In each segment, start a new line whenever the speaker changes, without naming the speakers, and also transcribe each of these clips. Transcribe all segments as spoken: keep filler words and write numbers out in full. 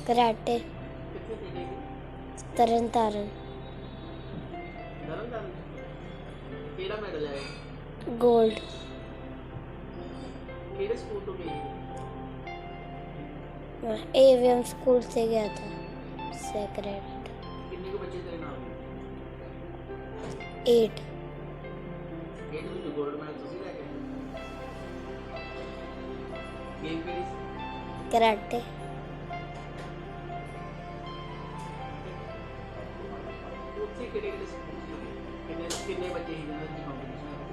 Karate
कितने training
तरन तारन
धर्म धर्म केड़ा मेडल है
गोल्ड
केड़े स्कूल तो गई
मैं एवीएम स्कूल से गया था सेक्रेट
कितने को बच्चे तेरे नाम
एट
एट में जो गोल्ड मेडल तुसी लेके गेम केड़ी
कराटे
ਉੱਥੇ ਕਿਹੜੇ ਕਿਹੜੇ ਸਕੂਲ ਸੀ ਕਿੰਨੇ ਕਿੰਨੇ ਬੱਚੇ ਸੀ ਜਿਹਨਾਂ ਦੀ ਕੰਪੀਟੀਸ਼ਨ ਹੈ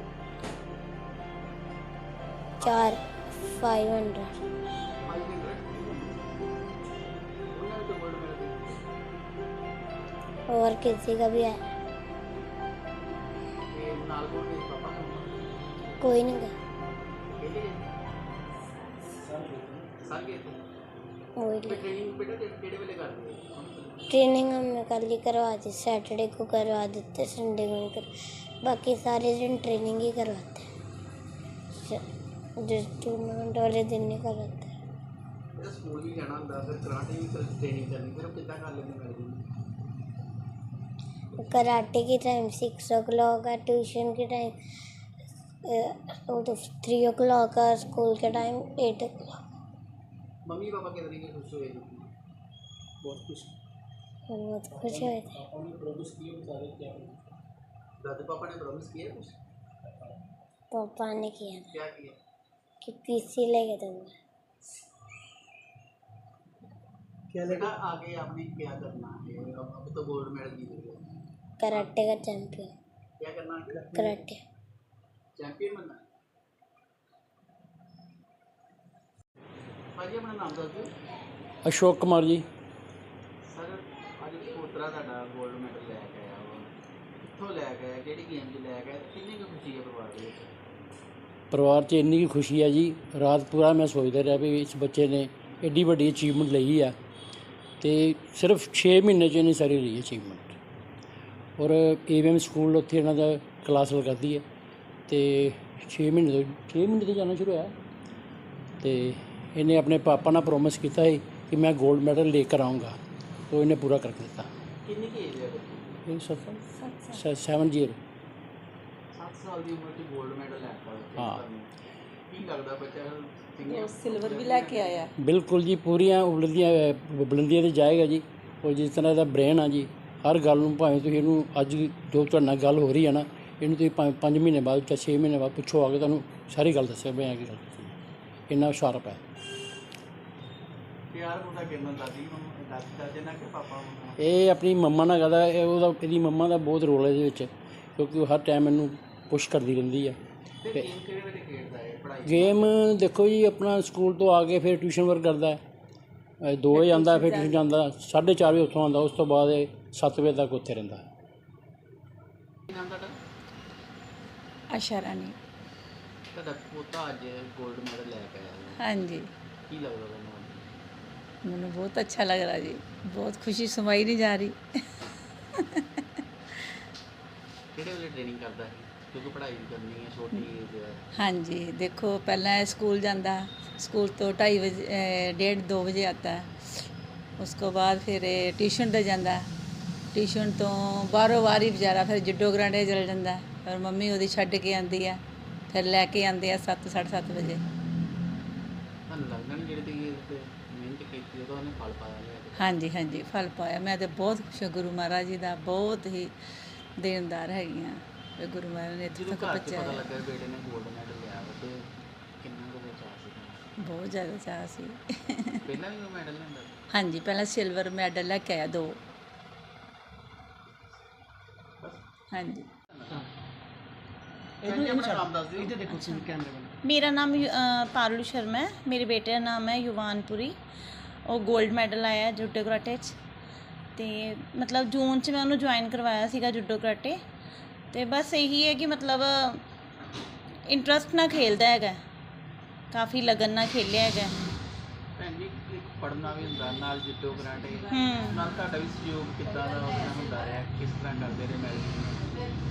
चार फाइव हंड्रेड
फाइव हंड्रेड ਉਹਨਾਂ ਨੂੰ ਗੋਲਡ ਮੈਡਲ
और किसी का भी है
ਤੇ ਨਾਲ ਕੋਲ ਦੇ ਪਾਪਾ ਨੂੰ
कोई नहीं गया
ਕਹਿੰਦੇ ਸਰ ਗਏ ਤੇ
वही
ਟ੍ਰੇਨਿੰਗ ਬੇਟਾ ਕਿਹੜੇ ਵੇਲੇ ਕਰਦੇ ਹੋ
ट्रेनिंग हमने कल ही करवा दी सैटरडे को करवा देते संडे को नहीं कर बाकी सारे दिन ट्रेनिंग ही करवाते हैं जो टूर्नामेंट वाले दिन नहीं करवाते
ਜਿਹੜਾ ਸਕੂਲ ਵੀ ਜਾਣਾ ਹੁੰਦਾ ਫਿਰ ਕਰਾਟੇ ਵੀ ਟ੍ਰੇਨਿੰਗ करनी फिर कितना कर लेंगे मैडल
कराटे की टाइम सिक्स ओ क्लॉक है ट्यूशन की टाइम तो थ्री ओ क्लॉक है स्कूल के time eight o'clock
mummy papa कितने की खुश हुए बहुत खुश
बहुत खुश हुए थे
दादू पापा ने प्रॉमिस किया कुछ
पापा ने किया
क्या किया
कि पीसी लेके दूंगा
क्या लगा आगे आपने क्या करना है अब अब तो गोल्ड मेडल जीत गए
कराटे का चैंपियन
क्या करना है
कराटे
चैंपियन बनना है भाजी अपना नाम दस दो
अशोक कुमार जी
सर आज पोतरा ਤੁਹਾਡਾ गोल्ड मेडल ਲੈ ਕੇ ਆਇਆ ਵਾ ਕਿੱਥੋਂ ਲੈ ਕੇ ਆਇਆ ਕਿਹੜੀ ਗੇਮ 'ਚ ਲੈ ਕੇ ਆਇਆ ਕਿੰਨੀ ਕੁ ਖੁਸ਼ੀ ਹੈ ਪਰਿਵਾਰ ਦੇ ਵਿੱਚ
ਪਰਿਵਾਰ 'ਚ ਇੰਨੀ ਕੁ ਖੁਸ਼ੀ ਹੈ ਜੀ ਰਾਤ ਪੂਰਾ ਮੈਂ ਸੋਚਦਾ ਰਿਹਾ ਵੀ ਇਸ ਬੱਚੇ ਨੇ ਐਡੀ ਵੱਡੀ ਅਚੀਵਮੈਂਟ ਲਈ ਆ ਤੇ ਸਿਰਫ ਛੇ ਮਹੀਨੇ 'ਚ ਇਹਨੇ ਸਾਰੀ ਲਈ ਅਚੀਵਮੈਂਟ ਔਰ ਏਵੀਐਮ ਸਕੂਲ ਉੱਥੇ ਇਹਨਾਂ ਦਾ ਕਲਾਸ ਲਗਾਦੀ ਹੈ ਤੇ ਛੇ ਮਹੀਨੇ ਤੋਂ ਛੇ ਮਹੀਨੇ ਤੋਂ ਜਾਣਾ ਸ਼ੁਰੂ ਹੋਇਆ ਤੇ ਇਹਨੇ ਆਪਣੇ ਪਾਪਾ ਨਾਲ ਪ੍ਰੋਮਿਸ ਕੀਤਾ ਸੀ ਕਿ ਮੈਂ ਗੋਲਡ ਮੈਡਲ ਲੈ ਕੇ ਆਊਂਗਾ तो इन्हें पूरा करके देता
ਕਿੰਨੀ ਕੀ ਏਜ ਹੈ ਬੱਚੇ
ये सब सेवन जीरो
ਸੱਤ ਸਾਲ ਦੀ ਉਮਰ 'ਚ 골ਡ ਮੈਡਲ ਲੈ ਕੇ ਆਇਆ
ਹਾਂ।
ਕੀ ਲੱਗਦਾ ਬੱਚਾ
ਉਹ ਸਿਲਵਰ ਵੀ ਲੈ ਕੇ ਆਇਆ
बिल्कुल जी पूरियां बुलंदियां बुलंदियां ਤੇ ਜਾਏਗਾ ਜੀ ਉਹ ਜਿਸ ਤਰ੍ਹਾਂ ਦਾ ਬ੍ਰੇਨ ਆ ਜੀ ਹਰ ਗੱਲ ਨੂੰ ਭਾਵੇਂ ਤੁਸੀਂ ਇਹਨੂੰ ਅੱਜ ਜੋ ਤੁਹਾਡੇ ਨਾਲ ਗੱਲ ਹੋ ਰਹੀ ਹੈ ਨਾ ਇਹਨੂੰ ਤੁਸੀਂ ਭਾਵੇਂ ਪੰਜ ਮਹੀਨੇ ਬਾਅਦ ਜਾਂ ਛੇ ਮਹੀਨੇ ਬਾਅਦ ਪੁੱਛੋ ਆ ਕੇ ਤੁਹਾਨੂੰ ਸਾਰੀ ਗੱਲ ਦੱਸਿਆ ਮੈਂ ਆ ਕੀ ਗੱਲ ਦੱਸੀ ਇੰਨਾ ਸ਼ਾਰਪ ਹੈ
ਪਿਆਰ ਉਹਦਾ ਕਿੰਨਾ ਦਾਦੀ ਨੂੰ ਦਾਦੀ ਦਾਦੇ ਨਾਲ ਕਿ ਪਾਪਾ ਨੂੰ
ਇਹ ਆਪਣੀ ਮੰਮਾ ਨਾਲ ਕਰਦਾ ਇਹ ਉਹਦਾ ਇਹਦੀ ਮੰਮਾ ਦਾ ਬਹੁਤ ਰੋਲ ਹੈ ਇਹਦੇ ਵਿੱਚ ਕਿਉਂਕਿ ਉਹ ਹਰ ਟਾਈਮ ਇਹਨੂੰ ਪੁਸ਼ ਕਰਦੀ ਰਹਿੰਦੀ ਆ
ਤੇ ਗੇਮ ਕਿਹੜੇ ਵੇਲੇ ਖੇਡਦਾ ਹੈ ਪੜ੍ਹਾਈ
ਗੇਮ ਦੇਖੋ ਜੀ ਆਪਣਾ ਸਕੂਲ ਤੋਂ ਆ ਕੇ ਫਿਰ ਟਿਊਸ਼ਨ ਵਰਕ ਕਰਦਾ ਹੈ ਦੋ ਵਜੇ ਆਉਂਦਾ ਫਿਰ ਟਿਊਸ਼ਨ ਜਾਂਦਾ ਸਾਢੇ ਚਾਰ ਵਜੇ ਉੱਥੋਂ ਆਉਂਦਾ ਉਸ ਤੋਂ ਬਾਅਦ ਇਹ ਸੱਤ ਵਜੇ ਤੱਕ ਉੱਥੇ ਰਹਿੰਦਾ
ਕੀ ਨਾਮ ਤੁਹਾਡਾ
ਆਸ਼ਾ ਰਾਣੀ
ਤੁਹਾਡਾ ਪੋਤਾ ਅੱਜ 골ਡ ਮੈਡਲ ਲੈ ਕੇ ਆਇਆ
ਹਾਂਜੀ
ਕੀ ਲੱਗਦਾ ਤੁਹਾਨੂੰ
ਮੈਨੂੰ ਬਹੁਤ ਅੱਛਾ ਲੱਗ ਰਿਹਾ ਜੀ ਬਹੁਤ ਖੁਸ਼ੀ ਸਮਾਈ ਨਹੀਂ ਜਾ ਰਹੀ
ਕਿਹੜੇ ਵੇਲੇ ਟ੍ਰੇਨਿੰਗ ਕਰਦਾ ਹੈ ਕਿਉਂਕਿ ਪੜ੍ਹਾਈ ਵੀ ਕਰਨੀ ਹੈ ਛੋਟੀ ਏਜ ਹੈ
ਹਾਂਜੀ ਦੇਖੋ ਪਹਿਲਾਂ ਇਹ ਸਕੂਲ ਜਾਂਦਾ स्कूल तो ढाई बजे डेढ़ दो बजे आता है उसको बाद फिर ट्यूशन ते जाता ट्यूशन तो बाहरों बाहर ही बेचारा फिर जुडो ग्रांडे चल जाता और मम्मी वो छड्ड के आती है फिर लैके आते हैं सत्त साढ़े सत्त बजे
ਤੁਹਾਨੂੰ ਲੱਗਦਾ ਨਹੀਂ ਜਿਹੜੀ ਤੁਸੀਂ ਮਿਹਨਤ ਕੀਤੀ ਉਹਦਾ ਉਹਨੇ ਫਲ ਪਾਇਆ ਲਿਆ
हाँ जी हाँ जी फल पाया मैं तो बहुत खुश हूँ गुरु महाराज जी का बहुत ही देनदार हैगी हाँ गुरु महाराज ने इत्थों
ਜਦੋਂ
तक
ਘਰ 'ਚ
पहुँचाया
ਪਤਾ ਲੱਗਾ ਬੇਟੇ ਨੇ 골ਡ ਮੈਡਲ ਲਿਆ ਵਾ ਤੇ ਕਿੰਨਾ ਕੁ ਚਾਅ ਸੀ
बहुत ज़्यादा चाह सी
ਪਹਿਲਾਂ ਵੀ ਉਹ ਮੈਡਲ ਲੈਂਦਾ ਸੀ?
हाँ जी पहला सिल्वर मैडल लैके आया दो हाँ जी
ਇਹਨੂੰ ਆਪਣਾ ਨਾਮ ਦੱਸ ਦਿਓ ਇਹਦੇ ਦੇਖੋ ਤੁਸੀਂ ਕੈਮਰੇ ਵੱਲ
मेरा नाम यु- अ, पारुल शर्मा है मेरे बेटे का नाम है युवानपुरी ਉਹ 골ਡ ਮੈਡਲ ਆਇਆ ਜੂਡੋ ਕਰਾਟੇ 'ਚ ਤੇ ਮਤਲਬ ਜੂਨ 'ਚ ਮੈਂ ਉਹਨੂੰ ਜੁਆਇਨ ਕਰਵਾਇਆ ਸੀਗਾ ਜੂਡੋ ਕਰਾਟੇ ਤੇ ਬਸ ਇਹੀ ਹੈ ਕਿ ਮਤਲਬ ਇੰਟਰਸਟ ਨਾਲ ਖੇਲਦਾ ਹੈਗਾ ਕਾਫੀ ਲਗਨ ਨਾਲ ਖੇਲਿਆ ਹੈਗਾ
ਭੈਣ ਜੀ ਇੱਕ ਪੜ੍ਹਨਾ ਵੀ ਹੁੰਦਾ ਨਾਲ ਜੁੱਡੋ ਕਰਾਟੇ
ਹੂੰ
ਨਾਲ ਤੁਹਾਡਾ ਵੀ ਸਹਿਯੋਗ ਕਿੱਦਾਂ ਦਾ ਉਹਦਾ ਹੁੰਦਾ ਰਿਹਾ ਕਿਸ ਤਰ੍ਹਾਂ ਕਰਦੇ ਰਹੇ ਮੈਡਲ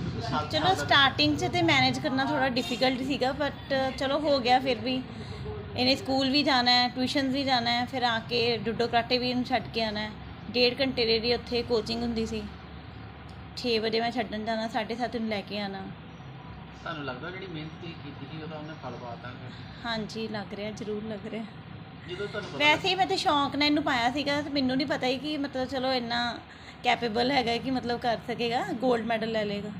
ਚਲੋ ਸਟਾਰਟਿੰਗ 'ਚ ਤੇ ਮੈਨੇਜ ਕਰਨਾ ਥੋੜਾ ਡਿਫਿਕਲਟ ਸੀਗਾ ਬਟ ਚਲੋ ਹੋ ਗਿਆ ਫਿਰ ਵੀ ਇਹਨੇ ਸਕੂਲ ਵੀ ਜਾਣਾ ਹੈ, ਟਿਊਸ਼ਨ ਵੀ ਜਾਣਾ ਹੈ, ਫਿਰ ਆ ਕੇ ਜੁੱਡੋ ਕਰਾਟੇ ਵੀ ਇਹਨੂੰ ਛੱਡ ਕੇ ਆਉਣਾ ਹੈ। ਡੇਢ ਘੰਟੇ ਦੀ ਇਹਦੀ ਉੱਥੇ ਕੋਚਿੰਗ ਹੁੰਦੀ ਸੀ। ਛੇ ਵਜੇ ਮੈਂ ਛੱਡਣ ਜਾਣਾ, ਸਾਢੇ ਸੱਤ ਨੂੰ ਲੈ ਕੇ ਆਉਣਾ।
ਤੁਹਾਨੂੰ ਲੱਗਦਾ ਜਿਹੜੀ ਮਿਹਨਤ ਤੁਸੀਂ ਕੀਤੀ ਸੀ ਉਹਦਾ ਉਹਨੇ ਫਲ ਪਾਤਾ?
ਹਾਂਜੀ ਲੱਗ ਰਿਹਾ, ਜ਼ਰੂਰ ਲੱਗ ਰਿਹਾ।
ਜਦੋਂ ਤੁਹਾਨੂੰ ਪਤਾ
ਵੈਸੇ ਹੀ ਮੈਂ ਤਾਂ ਸ਼ੌਂਕ ਨਾਲ ਇਹਨੂੰ ਪਾਇਆ ਸੀਗਾ ਤੇ ਮੈਨੂੰ ਨਹੀਂ ਪਤਾ ਸੀ ਕਿ ਮਤਲਬ ਚਲੋ ਇੰਨਾ ਕੈਪੇਬਲ ਹੈਗਾ ਕਿ ਮਤਲਬ ਕਰ ਸਕੇਗਾ, 골ਡ ਮੈਡਲ ਲੈ ਲਏਗਾ।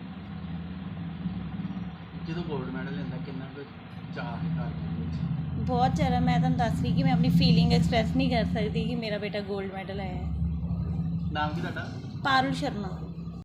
ਜਦੋਂ 골ਡ ਮੈਡਲ ਲੈਂਦਾ ਕਿੰਨਾ ਕੁ ਚਾਅ ਹੈ ਘਰ ਦੇ ਵਿੱਚ?
ਬਹੁਤ ਜ਼ਿਆਦਾ। ਮੈਂ ਤੁਹਾਨੂੰ ਦੱਸ ਰਹੀ ਕਿ ਮੈਂ ਆਪਣੀ ਫੀਲਿੰਗ ਐਕਸਪ੍ਰੈਸ ਨਹੀਂ ਕਰ ਸਕਦੀ ਕਿ ਮੇਰਾ ਬੇਟਾ 골ਡ ਮੈਡਲ ਆਇਆ ਹੈ।
ਨਾਮ ਕੀ ਤੁਹਾਡਾ?
ਪਾਰੁਲ ਸ਼ਰਮਾ।